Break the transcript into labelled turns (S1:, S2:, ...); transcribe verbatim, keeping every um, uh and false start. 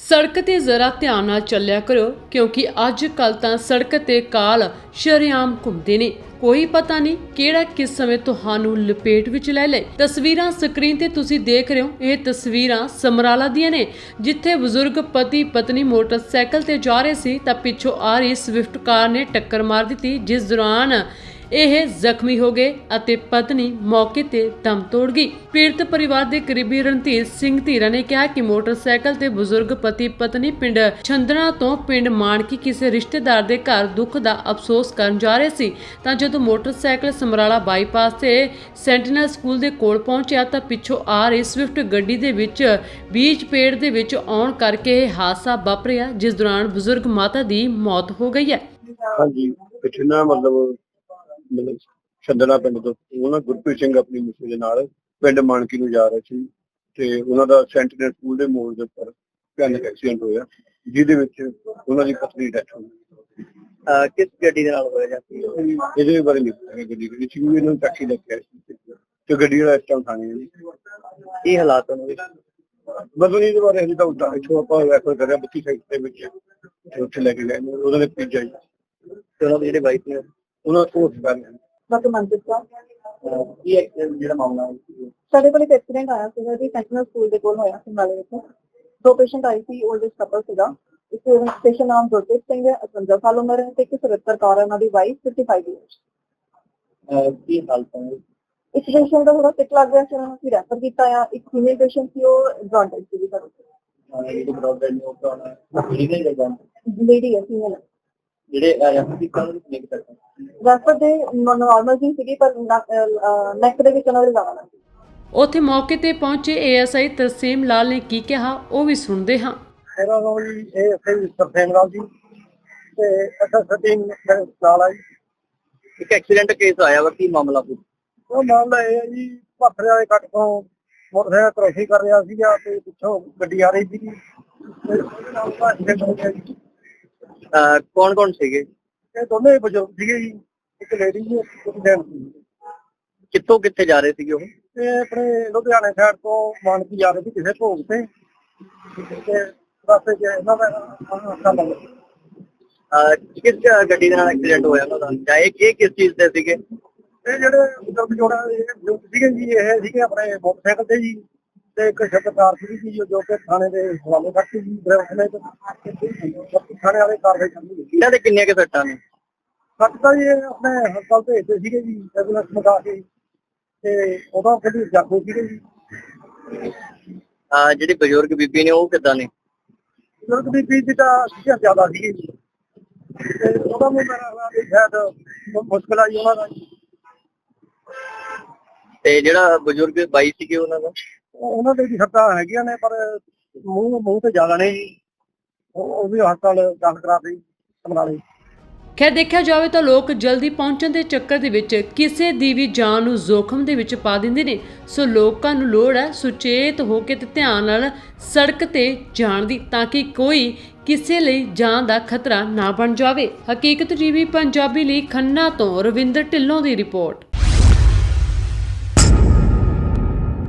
S1: ਸੜਕ ਤੇ ਜ਼ਰਾ ਧਿਆਨ ਨਾਲ ਚੱਲਿਆ ਕਰੋ ਕਿਉਂਕਿ ਅੱਜ ਕੱਲ ਤਾਂ ਸੜਕ ਤੇ ਕਾਲ ਸ਼ਰੇਆਮ ਘੁੰਮਦੇ ਨੇ। ਕੋਈ ਪਤਾ ਨਹੀਂ ਕਿਹੜਾ ਕਿਸ ਸਮੇਂ ਤੁਹਾਨੂੰ ਲਪੇਟ ਵਿੱਚ ਲੈ ਲੇ। ਤਸਵੀਰਾਂ ਸਕਰੀਨ ਤੇ ਤੁਸੀਂ ਦੇਖ ਰਹੇ ਹੋ, ਇਹ ਤਸਵੀਰਾਂ ਸਮਰਾਲਾ ਦੀਆਂ ਨੇ, ਜਿੱਥੇ ਬਜ਼ੁਰਗ ਪਤੀ ਪਤਨੀ ਮੋਟਰਸਾਈਕਲ ਤੇ ਜਾ ਰਹੇ ਸੀ ਤਾਂ ਪਿੱਛੋਂ ਆ ਰਹੀ ਸਵਿਫਟ ਕਾਰ ਨੇ ਟੱਕਰ ਮਾਰ ਦਿੱਤੀ, ਜਿਸ ਦੌਰਾਨ ਇਹ ਜ਼ਖਮੀ ਹੋ ਗਏ ਅਤੇ ਪਤਨੀ ਮੌਕੇ ਤੇ ਦਮ ਤੋੜ ਗਈ। ਪੀੜਤ ਪਰਿਵਾਰ ਦੇ ਕਰੀਬੀ ਰਣਧੀਰ ਸਿੰਘ ਧੀਰਾ ਨੇ ਕਿਹਾ ਕਿ ਮੋਟਰਸਾਈਕਲ ਤੇ ਬਜ਼ੁਰਗ ਪਤੀ ਪਤਨੀ ਪਿੰਡ ਛੰਦਣਾ ਤੋਂ ਪਿੰਡ ਮਾਨਕੀ ਕਿਸੇ ਰਿਸ਼ਤੇਦਾਰ ਦੇ ਘਰ ਦੁੱਖ ਦਾ ਅਫਸੋਸ ਕਰਨ ਜਾ ਰਹੇ ਸੀ ਤਾਂ ਜਦੋਂ ਮੋਟਰਸਾਈਕਲ ਸਮਰਾਲਾ ਬਾਈਪਾਸ ਤੇ ਸੈਂਟੀਨਲ ਸਕੂਲ ਦੇ ਕੋਲ ਪਹੁੰਚਿਆ ਤਾਂ ਪਿੱਛੋਂ ਆ ਰਹੀ ਸਵਿਫਟ ਗੱਡੀ ਦੇ ਵਿੱਚ ਬੀਚ ਪੇੜ ਦੇ ਵਿੱਚ ਆਉਣ ਕਰਕੇ ਇਹ ਹਾਦਸਾ ਵਾਪਰਿਆ, ਜਿਸ ਦੌਰਾਨ ਬਜ਼ੁਰਗ ਮਾਤਾ ਦੀ ਮੌਤ ਹੋ ਗਈ ਹੈ।
S2: ਹਾਂਜੀ, ਪਿਛਲਾ ਮਤਲਬ ਮਤਲਬ ਛੰਦਣਾ ਪਿੰਡ ਤੋਂ ਉਹਨਾਂ ਗੁਰਪ੍ਰੀਤ ਸਿੰਘ ਆਪਣੀ ਮਿਸੇ ਦੇ ਨਾਲ ਪਿੰਡ ਮਾਨਕੀ ਨੂੰ ਜਾ ਰਹੇ ਸੀ ਤੇ ਉਹਨਾਂ ਦਾ ਸੈਂਟੀਨਲ ਸਕੂਲ ਦੇ ਮੋੜ ਦੇ ਉੱਪਰ ਭਿਆਨਕ ਐਕਸੀਡੈਂਟ ਹੋਇਆ, ਜਿਹਦੇ ਵਿੱਚ ਉਹਨਾਂ ਦੀ ਪਤਨੀ ਡੈਥ ਹੋ ਗਈ।
S3: ਕਿਸ ਗੱਡੀ ਦੇ ਨਾਲ ਹੋਇਆ ਜਾਂਦੀ
S2: ਇਹਦੇ ਬਾਰੇ ਨਹੀਂ ਪਤਾ ਗੱਡੀ ਕਿਹੜੀ ਸੀ, ਇਹਨਾਂ ਨੂੰ ਟੈਕਸੀ ਲੱਗਿਆ ਸੀ ਤੇ ਗੱਡੀ ਵਾਲਾ ਇਸ ਟਾਈਮ ਥਾਣੇ ਜੀ।
S3: ਕੀ ਹਾਲਾਤ ਉਹਨਾਂ ਦੇ?
S2: ਮਤਲਬ ਇਹਦੇ ਬਾਰੇ ਹਜੇ ਤਾਂ ਉੱਦਾਂ ਇੱਥੋਂ ਆਪਾਂ ਰੈਫਰ ਕਰਿਆ ਬੱਤੀ ਸਾਈਡ ਦੇ ਵਿੱਚ ਤੇ ਉੱਥੇ ਲੈ ਕੇ ਗਏ ਨੇ, ਉਹਨਾਂ ਨੇ ਭੇਜਿਆ ਜੀ
S3: ਤੇ ਉਹਨਾਂ ਦੇ ਜਿਹੜੇ ਵਾਈਫ ਨੇ
S2: ਉਹਨਾਂ ਤੋਂ ਕਰ
S4: ਡਾਕਟਰ ਮਨਪ੍ਰੀਤ ਕੌਰ।
S3: ਕੀ ਐਕਸੀਡੈਂਟ ਜਿਹੜਾ ਮਾਮਲਾ ਹੈ?
S4: ਸਾਡੇ ਕੋਲ ਇੱਕ ਐਕਸੀਡੈਂਟ ਆਇਆ ਸੀਗਾ ਜੀ, ਸੈਂਟੀਨਲ ਸਕੂਲ ਦੇ ਕੋਲ ਹੋਇਆ ਸੀ ਨਾਲੇ ਵਿੱਚ। ਦੋ ਪੇਸ਼ੈਂਟ ਆਏ ਸੀ, 올ਡ ਏਜ ਕਪਲ ਸੀਗਾ। ਇੱਕ ਪੇਸ਼ੈਂਟ ਨਾਮ ਗੁਰਪ੍ਰੀਤ ਸਿੰਘ ਹੈ, ਪਚਵੰਜਾ ਸਾਲ ਉਮਰ ਹੈ, ਤੇ ਇੱਕ ਸਤੱਤਰ ਕੌਰ ਹੈ ਉਹਨਾਂ ਦੀ ਵਾਈਫ, ਪਚਪਨ ਈਅਰਸ।
S3: ਕੀ ਹਾਲਤ ਹੈ?
S4: ਇੱਕ ਪੇਸ਼ੈਂਟ ਦਾ ਥੋੜਾ ਸਿੱਕ ਲੱਗ ਗਿਆ ਸੀ, ਉਹਨਾਂ ਨੂੰ ਅਸੀਂ ਰੈਫਰ ਕੀਤਾ ਆ। ਇੱਕ ਫੀਮੇਲ ਪੇਸ਼ੈਂਟ ਸੀ, ਉਹ ਜੌਂਡਿਸ ਸੀਗੀ ਸਾਡੇ
S3: ਜਿਹੜੇ ਬਰੋਡਬੈਂਡ ਨੇ ਉਹ ਕਰਾਉਣਾ ਲੀਗਲ ਹੈ ਜਾਂ
S4: ਲੇਡੀ ਹੈ, ਫੀਮੇਲ।
S3: ਜਿਹੜੇ ਰੈਫਰ ਕੀਤਾ ਉਹਨੂੰ ਕਿੰਨੇ ਕੁ ਤੱਕ?
S4: ਰੈਫਰ ਦੇ ਨੋਰਮਲ ਜੀ ਸੀਗੀ, ਪਰ ਨੈਕ ਦੇ ਵਿੱਚ ਉਹਨਾਂ ਦੇ ਜ਼ਿਆਦਾ ਲੱਗੀ।
S1: ਉੱਥੇ ਮੌਕੇ ਤੇ ਪਹੁੰਚੇ ਏਐਸਆਈ ਤਰਸੀਮ ਲਾਲ ਨੇ ਕੀ ਕਿਹਾ, ਉਹ ਵੀ ਸੁਣਦੇ ਹਾਂ।
S2: ਮੇਰਾ ਨਾਮ ਜੀ ਇਹ ਅਸੀਂ ਸਰਸੇਮ ਰਾਮ ਜੀ ਤੇ ਅੱਛਾ ਸਟੀਮ ਨਾਲ ਆ ਜੀ।
S3: ਇੱਕ ਐਕਸੀਡੈਂਟ ਕੇਸ ਆਇਆ ਵਾ, ਕੀ ਮਾਮਲਾ ਪੁੱਛ?
S2: ਉਹ ਮਾਮਲਾ ਇਹ ਹੈ ਜੀ, ਭਾਖੜੇ ਵਾਲੇ ਕੱਟ ਤੋਂ ਮੋਟਰਸਾਈਕਲ ਕ੍ਰੋਸਿੰਗ ਕਰ ਰਿਹਾ ਸੀਗਾ ਤੇ ਪਿੱਛੋਂ ਗੱਡੀ ਆ ਰਹੀ ਸੀਗੀ ਤੇ ਉਹਦੇ ਨਾਲ ਉਹਦਾ ਐਕਸੀਡੈਂਟ ਹੋ ਗਿਆ ਜੀ।
S3: ਕੌਣ ਕੌਣ ਸੀਗੇ?
S2: ਇਹ ਦੋਨੇ ਹੀ ਬਜ਼ੁਰਗ ਸੀਗੇ ਜੀ, ਇੱਕ ਲੇਡੀ ਜੀ ਇੱਕ ਜੈਂਟ ਸੀ।
S3: ਕਿੱਥੋਂ ਕਿੱਥੇ ਜਾ ਰਹੇ ਸੀਗੇ ਉਹ?
S2: ਤੇ ਆਪਣੇ ਲੁਧਿਆਣੇ ਸਾਈਡ ਤੋਂ ਮਾਨਕੀ ਜਾ ਰਹੇ ਸੀ ਕਿਸੇ ਭੋਗ ਤੇ ਤੇ ਰਸਤੇ 'ਚ ਇਹਨਾਂ ਦਾ ਹਾਦਸਾ ਲੱਗ ਗਿਆ।
S3: ਕਿਸ ਗੱਡੀ ਦੇ ਨਾਲ ਐਕਸੀਡੈਂਟ ਹੋਇਆ ਉਹਨਾਂ ਦਾ, ਜਾਂ ਇਹ ਇਹ ਕਿਸ ਚੀਜ਼ ਤੇ ਸੀਗੇ?
S2: ਇਹ ਜਿਹੜੇ ਬਜ਼ੁਰਗ ਜੋੜਾ ਇਹ ਸੀਗੇ ਜੀ, ਇਹ ਸੀਗੇ ਆਪਣੇ ਮੋਟਰਸਾਈਕਲ ਤੇ ਜੀ, ਤੇ ਇੱਕ ਸ਼ਬਦਕਾਰ ਸੀਗੀ ਜੀ ਜੋ ਕਿ ਥਾਣੇ ਦੇ ਹਵਾਲੇ ਕਰਤੀ ਜੀ। ਡਰਾਈਵਰ ਨੇ ਥਾਣੇ ਵਾਲੇ ਕਾਰਵਾਈ ਕਰਨੀ।
S3: ਇਹਨਾਂ ਦੇ ਕਿੰਨੀਆਂ ਕੁ ਸੱਟਾਂ ਨੇ?
S2: ਸੱਟ ਤਾਂ ਜੀ ਆਪਣੇ ਹਸਪਤਾਲ ਭੇਜਦੇ ਸੀਗੇ ਜੀ, ਐਂਬੂਲੈਂਸ ਮੰਗਾ ਕੇ, ਤੇ ਉਦੋਂ ਕਿਹੜੀ ਜਾਗੋ ਸੀਗੇ ਜੀ।
S3: ਜਿਹੜੀ ਬਜ਼ੁਰਗ ਬੀਬੀ ਨੇ ਉਹ ਕਿੱਦਾਂ ਨੇ?
S2: ਬਜ਼ੁਰਗ ਦੀ ਬੀਬੀ ਤਾਂ ਸੀਗਾ ਜ਼ਿਆਦਾ ਸੀਗੀ ਜੀ, ਤੇ ਉਹਦਾ ਵੀ ਮੇਰਾ ਖਿਆਲ ਸ਼ਾਇਦ ਮੁਸ਼ਕਿਲ ਆਈ ਉਹਨਾਂ ਦਾ।
S3: ਤੇ ਜਿਹੜਾ ਬਜ਼ੁਰਗ ਬਾਈ ਸੀਗੇ ਉਹਨਾਂ ਦਾ?
S2: ਉਹਨਾਂ ਦੇ ਵੀ ਸੱਟਾਂ ਹੈਗੀਆਂ ਨੇ, ਪਰ ਮੂੰਹ ਮੂੰਹ ਤੇ ਜ਼ਿਆਦਾ ਨੇ ਜੀ। ਉਹ ਵੀ ਹਸਪਤਾਲ ਦਾਖਲ ਕਰਾ ਦਿੱਤੀ ਸਮਰਾਲੇ।
S1: ਖੈਰ ਦੇਖਿਆ ਜਾਵੇ ਤਾਂ ਲੋਕ ਜਲਦੀ ਪਹੁੰਚਣ ਦੇ ਚੱਕਰ ਦੇ ਵਿੱਚ ਕਿਸੇ ਦੀ ਵੀ ਜਾਨ ਨੂੰ ਜ਼ੋਖਮ ਦੇ ਵਿੱਚ ਪਾ ਦਿੰਦੇ ਨੇ। ਸੋ ਲੋਕਾਂ ਨੂੰ ਲੋੜ ਹੈ ਸੁਚੇਤ ਹੋ ਕੇ ਤੇ ਧਿਆਨ ਨਾਲ ਸੜਕ ਤੇ ਜਾਣ ਦੀ, ਤਾਂ ਕਿ ਕੋਈ ਕਿਸੇ ਲਈ ਜਾਨ ਦਾ ਖਤਰਾ ਨਾ ਬਣ ਜਾਵੇ। ਹਕੀਕਤ ਟੀਵੀ ਪੰਜਾਬੀ ਲਈ ਖੰਨਾ ਤੋਂ ਰਵਿੰਦਰ ਢਿੱਲੋਂ ਦੀ ਰਿਪੋਰਟ।